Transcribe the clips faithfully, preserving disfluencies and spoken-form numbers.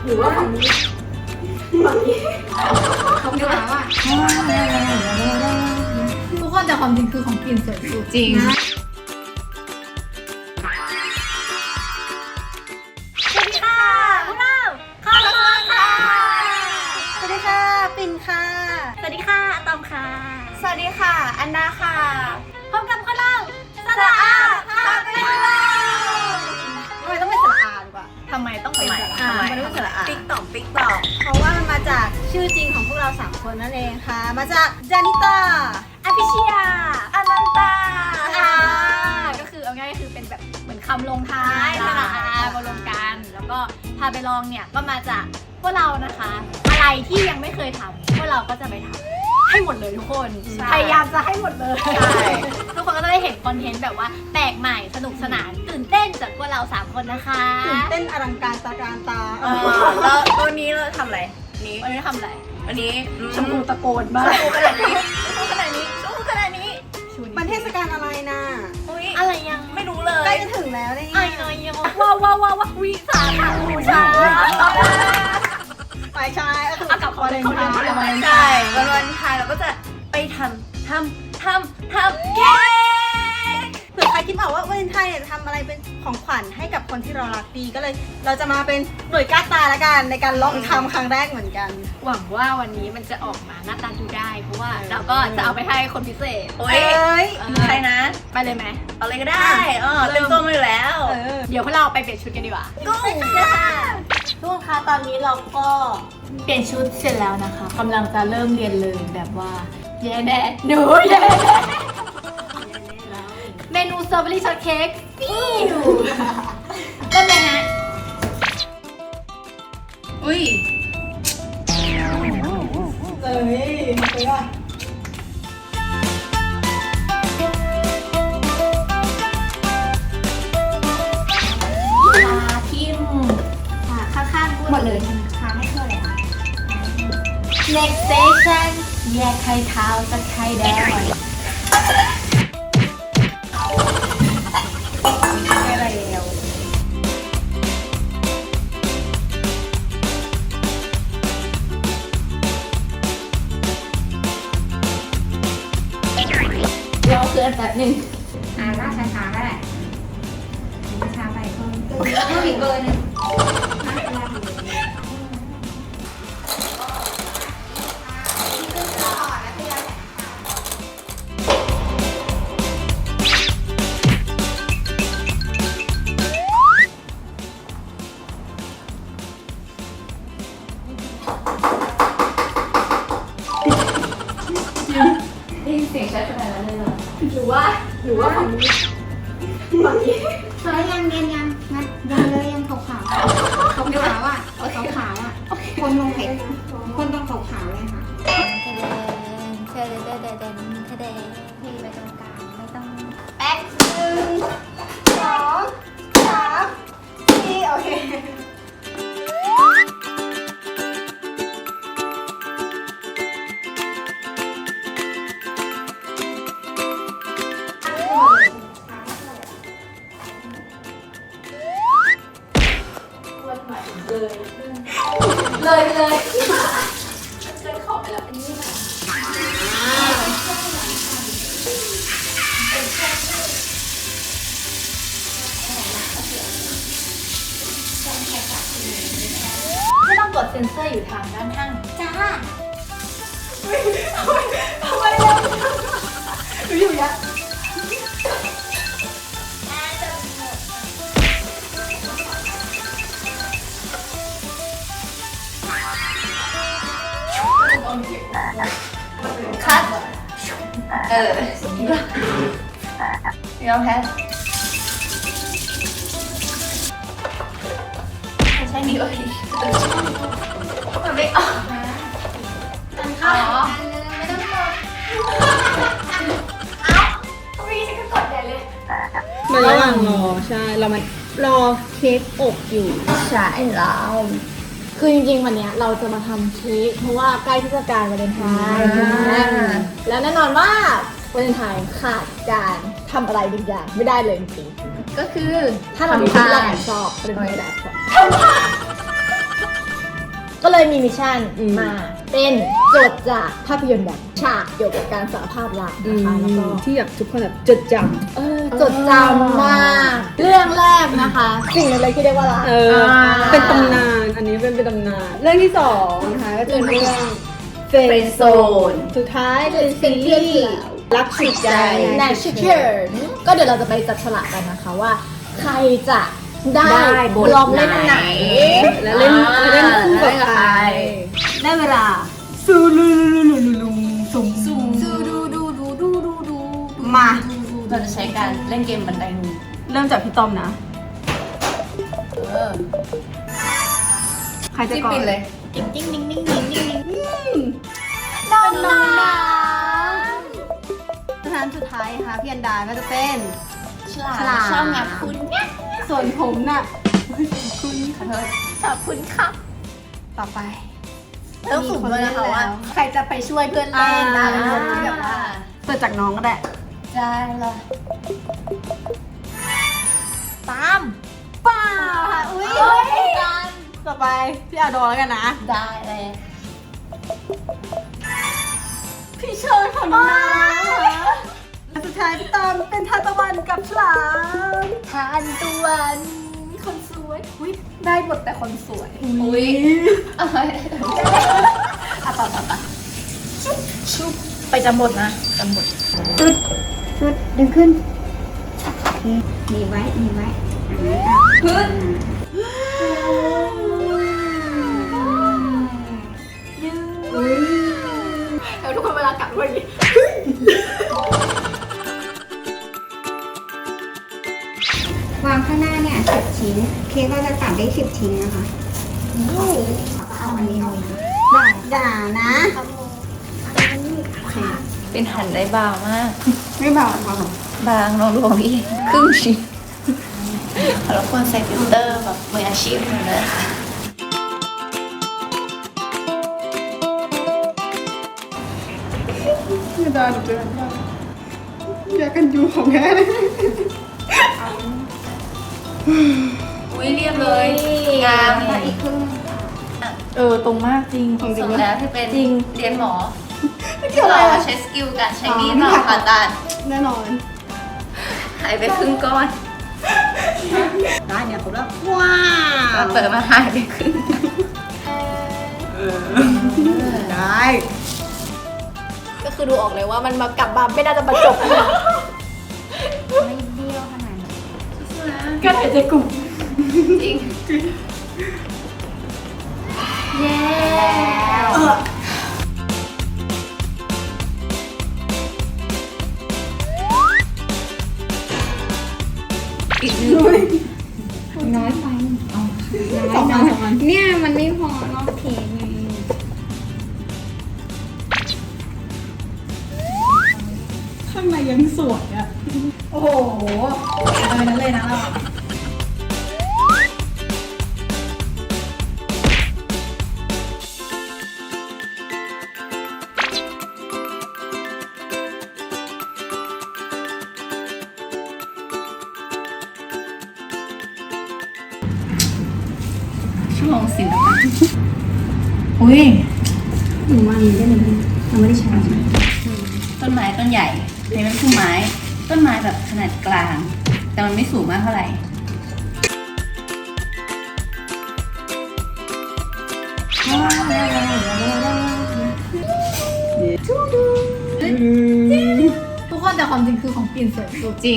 หรือว่าฝั่งนี้ฝั่งนี้เขาหนาวอ่ะทุกคนแต่ความจริงคือของกลิ่นสวยสุดจริงสวัสดีค่ะพวกเราคอร์สค่ะสวัสดีค่ะปิ่นค่ะสวัสดีค่ะอะตอมค่ะสวัสดีค่ะอันดาค่ะพบกับพวกเราสระอาพาไปดูทำไมต้องเป็นสระอาดีกว่าทำไมต้องเป็นสระอาทำไมต้องเป็นสระอาติ๊กตอกติ๊กตอกเพราะว่ามันมาจากชื่อจริงของพวกเราสามคนนั่นเองค่ะมาจากจานิตาอภิชยาอนันตาอ่าก็คือเอาง่ายๆคือเป็นแบบเหมือนคำลงท้ายสระอามารวมกันแล้วก็พาไปลองเนี่ยก็มาจากพวกเรานะคะอะไรที่ยังไม่เคยทำพวกเราก็จะไปทำให้หมดเลยทุกคนพยายามจะให้หมดเลยทุกคนก็จะได้เห็นคอนเทนต์แบบว่าแปลกใหม่สนุกสนานตื่นเต้นจากพวกเราสามคนนะคะตื่นเต้นอลังการตาการตาแล้วตัวนี้เราทำอะไรนี้วันนี้ทำอะไรวันนี้ชมพูตะโกนบ้างชมพูขนาดนี้ชมพูขนาดนี้ชมพูขนาดนี้มันเทศกาลอะไรนะอะไรยังไม่รู้เลยใกล้จะถึงแล้วนี่ไอ้น้อยยังว้าวว้าวว้าววิสาขาบูชาไปใช่ก็คือกับวันวาเลนไทน์ใช่วันวาเลนไทน์เราก็จะไปทำทำทำทำเค้กเผื่อใครคิดบอกว่าวาเลนไทน์เนี่ยจะทำอะไรเป็นของขวัญให้กับคนที่เรารักดีก็เลยเราจะมาเป็นหน่วยกล้าตาละกันในการลองทำครั้งแรกเหมือนกันหวังว่าวันนี้มันจะออกมาหน้าตาดูได้เพราะว่าเราก็จะเอาไปให้คนพิเศษโอ้ยใครนะไปเลยไหมเอาเลยก็ได้เออเต็มตัวมาอยู่แล้วเดี๋ยวพวกเราไปเปลี่ยนชุดกันดีกว่ากุ้งค่ะทุกคนคะตอนนี้เราก็เปลี่ยนชุดเสร็จแล้วนะคะกำลังจะเริ่มเรียนเลยแบบว่าแย่แน่หนูแย่แน่เมนูสตรอเบอรี่ช็อตเค้กฟิวเริ่มเลยนะอุ้ยเอ้ยมาเลยอ่ะทิมข้างๆหมดเลยค้างให้เท่าไหร่คะ next station แยกไข่ขาวจากไข่แดงอะไรแล้วรอเพื่อนแป๊บนึงอ่าล่าช้าๆก็ได้ช้าไปเพิ่มเพิ่มอีกเบอร์นึงได้ยินเสียงชัดขนาดนั้นเลยเหรอหรือว่าหรือว่าฝั่งนี้ฝั่งนี้เฮ้ยยังยังยังงั้นยังเลยยังขาวขาวขาวขาวอ่ะขาวขาวอ่ะคนลงเผ็ดคนต้องขาวขาวเลยค่ะเธอเดินเดินเดินเธอเดินพี่ไปตรงกลางไม่ต้องแป๊กหนึ่งสองสามสี่โอเคเลยเลยเกินขอบไปแล้วอันนี้นะไม่ต้องกดเซ็นเซอร์อยู่ทางด้านข้างจ้าทำไมทำไมเราอยู่ยักคัดเออยอมแพ้ไม่ใช่นี่เลยมันไม่ออกมันเข้าไม่ต้องกดเอ้าทำไมฉันก็กดใหญ่เลยมาระหว่างรอใช่เรามารอเค้กอบอยู่ใช่แล้วคือจริงๆวันนี้เราจะมาทำเค้กเพราะว่าใกล้เทศกาลวาเลนไทน์แล้วแน่นอนว่าวาเลนไทน์ขาดการทำอะไรบางอย่างไม่ได้เลยจริงๆก็คือถ้าเรามีที่เราชอบเป็นไม่ได้ทำก็เลยมีมิชชั่นอืมมาเป็นโจทย์จากภาพยนตร์แบบฉากเกี่ยวกับการสารภาพรักนะคะแล้วก็ที่อยากทุกคนแบบจดจเออจดจำมากเรื่องแรกนะคะ สิ่งอะไรที่เรียกว่ารักำเออ เป็นตำนาน อันนี้เป็นเป็นตำนาน เรื่องที่สองนะคะก็จะเป็นเรื่องเฟรนด์โซน สุดท้ายเป็นซีรีส์รักฉุดใจแนชเชอร์ก็เดี๋ยวเราจะไปจับฉลากกันนะคะว่า ใครจะได้ได้บทลองเล่นไหนและเล่นและเล่นคู่กับใครได้เวลาซูลูลูลูลูลูซุมซุมดูดูดูดูดูดูดูมาเราจะใช้การเล่นเกมบันไดงูเริ่มจากพี่ต้อมนะเออใครจะจิ้มก่อนปิดเลยดิ้งดิ้งดิ้งดิ้งดิ้งดิ้งดิ้งน้องน้องน้ำสถานสุดท้ายค่ะพี่อันดาก็จะเป็นฉลาดฉลาดชอบงับคุณเนี่ยส่วนผมน่ะคุณขอโทษขอบคุณครับต่อไปต้องสุ่มด้วยนะคะว่า ใครจะไปช่วยเพื่อนเล่นนะอ่าเป็นคนที่แบบว่าเกิดจากน้องก็ได้ได้เลยตามป้าอุ้ยเฮ้ยกันต่อไปพี่อาโดแล้วกันนะได้เลยพี่เชิญของน้องนะสุดท้ายพี่ตอมเป็นทานตะวันกับฉลามทานตะวันคนสวยอุ้ยได้หมดแต่คนสวยอุ้ยเอาไว้อ่ะต่อต่อต่อชุบชุบไปจำบทนะจำบทชุดชุดดึงขึ้นหนีไว้หนีไว้พื้นเดี๋ยวทุกคนเวลากลับด้วยอย่างนี้วางข้างหน้าเนี่ยสิบชิ้นเค้กก็จะตัดได้สิบชิ้นนะคะเอาอันนี้เลยนะด่านะเป็นหั่นได้บางมากไม่บอกบอกบางลองลงอีกครึ่งชิ้นแล้วควรใส่ฟิลเตอร์แบบมืออาชีพเลยค่ะไม่ได้เจออยากกันอยู่ของแม่เลยอุ้ยเรียบเลยงามตัดอีกครึ่งเออ ตรงมากจริงสมแล้วที่เป็นจริงเรียนหมอที่เราใช้สกิลการใช้มีดเราผ่าตัดแน่นอนหายไปครึ่งก้อนได้เนี่ยครบแล้วว้าเราเปิดมาหายไปครึ่งได้ก็คือดูออกเลยว่ามันมากลับมาไม่น่าจะประจบไม่เบี้ยวขนาดนั้นกันหายใจกลุ่มจริงเย้อีกนิดน้อยไปเอาน้อยน้อยเนี่ยมันไม่พอรอบเค้กไงข้างในยังสวยอ่ะโอ้โหเลยนั้นเลยนะเรา ชั่วโมงสิบอุ้ยหนูว่านี้ได้เลยเราไม่ได้ใช้ใช่ไหมต้นไม้ต้นใหญ่ในเป็นพุ่มไม้ ต้นไม้แบบขนาดกลาง แต่มันไม่สูงมากเท่าไหร่ทุกคนแต่ความจริงคือของปิ่นสวยสุดจริง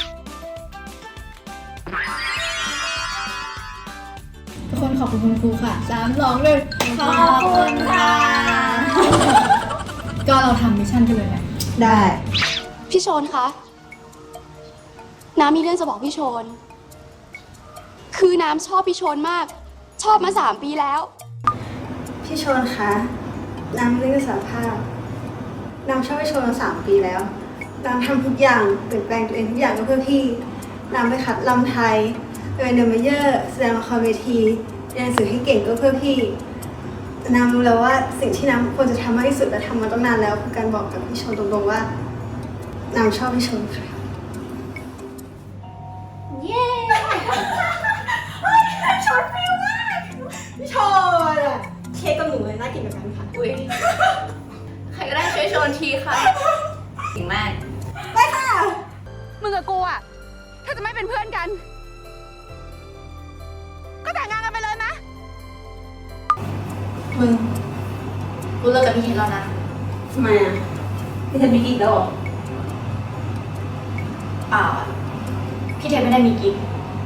ทุกคนขอบคุณคุณครูค่ะสามสองหนึ่งขอบคุณค่ะ ก็เราทำมิชชั่นกันเลยแหละได้พี่โชนคะ น้ำมีเรื่องจะบอกพี่โชน คือน้ำชอบพี่โชนมาก ชอบมาสามปีแล้วพี่ชนคะน้ำเรื่องสารภาพน้ำชอบพี่ชนมาสามปีแล้วน้ำทำทุกอย่างเปลี่ยนแปลงตัวเองทุกอย่างก็เพื่อพี่น้ำไปขัดลำไทยไปเป็นเดอร์เมเยอร์แสดงละครเวทีเรียนหนังสือให้เก่งก็เพื่อพี่น้ำรู้แล้วว่าสิ่งที่น้ำควรจะทำมากที่สุดและทำมาตั้งนานแล้วคือการบอกกับพี่ชนตรงๆว่าน้ำชอบพี่ชนค่ะเย้พี่ชนอะมึงกูเลิกกับพี่เทนแล้วนะทำไมอ่ะพี่เทนมีกิ๊กแล้วเหรอเปล่าอะพี่เทนไม่ได้มีกิ๊ก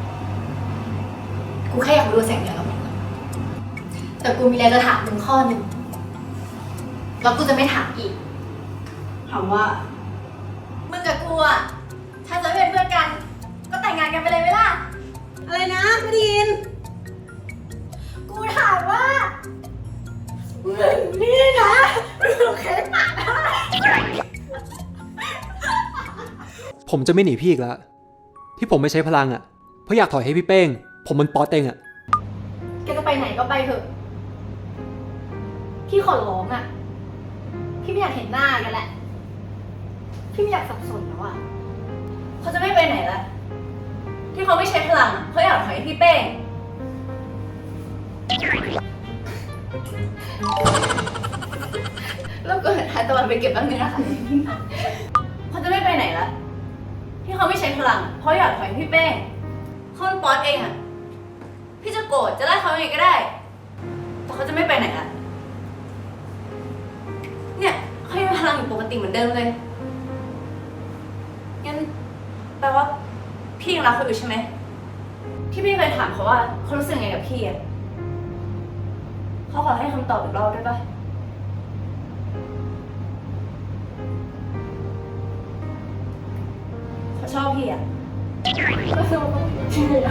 กูแค่อยากรู้แสงเหนือกับมึงอะแต่กูมีอะไรจะถามมึงข้อหนึ่งแล้วกูจะไม่ถามอีกถามว่ามึงกับกูอะถ้าจะไม่เป็นเพื่อนกัน ก็แต่งงานกันไปเลยไหมล่ะอะไรนะไม่ได้ยินกูถามว่ามึงนี่นะโอเคปะผมจะไม่หนีพี่อีกแล้ว ที่ผมไม่ใช้พลังอ่ะ เพราะอยากถอยให้พี่เป้ง ผมมันป๊อตเองอ่ะแกจะไปไหนก็ไปเถอะ พี่ขอร้องอะพี่ไม่อยากเห็นหน้ากันแหละ พี่ไม่อยากสับสนแล้วอะเขาจะไม่ไปไหนละที่เขาไม่ใช้พลังอะเขาอยากถอยให้พี่เป้งแล้วก็เห็นท้ายตะวันไปเก็บบ้างไหมนะคะเขาจะไม่ไปไหนละที่เขาไม่ใช้พลังอะเพราะอยากถอยให้พี่เป้งเขาเป็นป๊อตเองอะพี่จะโกรธจะไล่เขายังไงก็ได้ แต่เขาจะไม่ไปไหนละเนี่ยเขายังมีพลังอยู่ปกติเหมือนเดิมเลยงั้นแปลว่าพี่ยังรักเขาอยู่ใช่ไหมที่พี่เคยถามเขาว่าเขารู้สึกไงกับพี่อะเขาขอให้คำตอบอีกรอบได้ปะเขาชอบพี่อะก็ชอบพี่อะ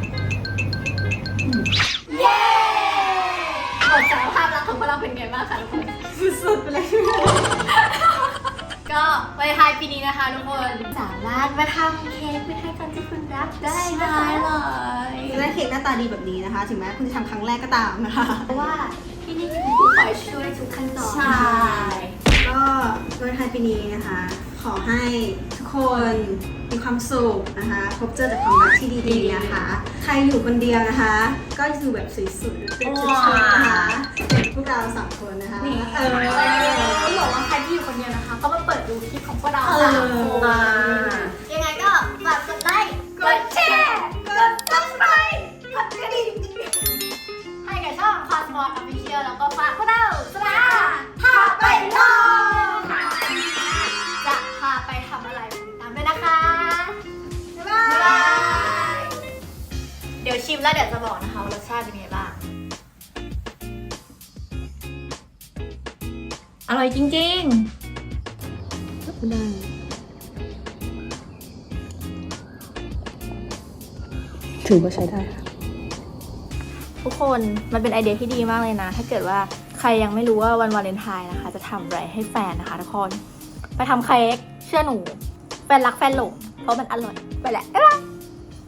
เย้บทสารภาพรักของพวกเราเป็นไงบ้างคะทุกคนสุดๆไปเลยก็ไปไทยปีนี้นะคะทุกคนสามารถมาทำเค้กไปให้คนที่คุณรักได้นะคะเลยจะได้เค้กหน้าตาดีแบบนี้นะคะ ถึงแม้คุณจะทำครั้งแรกก็ตามนะคะเพราะว่าที่นี่จะเป็นผู้คอยช่วยทุกขั้นตอนใช่ ก็วันไทยปีนี้นะคะ ขอให้ทุกคนมีความสุขนะคะ พบเจอแต่ความรักที่ดีๆนะคะ ใครอยู่คนเดียวนะคะ ก็อยู่แบบสวยๆเป็นชุดๆนะคะเป็นพวกเราสามคนนะคะนี่เออต้องบอกว่าใครที่อยู่คนเดียวนะคะ ก็มาเปิดดูคลิปของพวกเราเออสามคนยังไงก็ฝากกดไลค์กดแชร์กด ซับสไครบ์ กดกระดิ่งให้กับช่องคอสมอลออฟฟิเชียลแล้วก็ฝากพวกเราสลาพาไปลองจะพาไปทำอะไรติดตามด้วยนะคะบ๊ายบาบ๊าย ยบาย เดี๋ยวชิมแล้วเดี๋ยวจะบอกนะคะว่ารสชาติเป็นไงบ้าง อร่อยจริงๆได้ ถือว่าใช้ได้ค่ะทุกคนมันเป็นไอเดียที่ดีมากเลยนะ ถ้าเกิดว่าใครยังไม่รู้ว่าวันวาเลนไทน์นะคะ จะทำอะไรให้แฟนนะคะทุกคนไปทำเค้กเชื่อหนูแฟนรักแฟนหลงเพราะมันอร่อยไปแหละบ๊ายบาย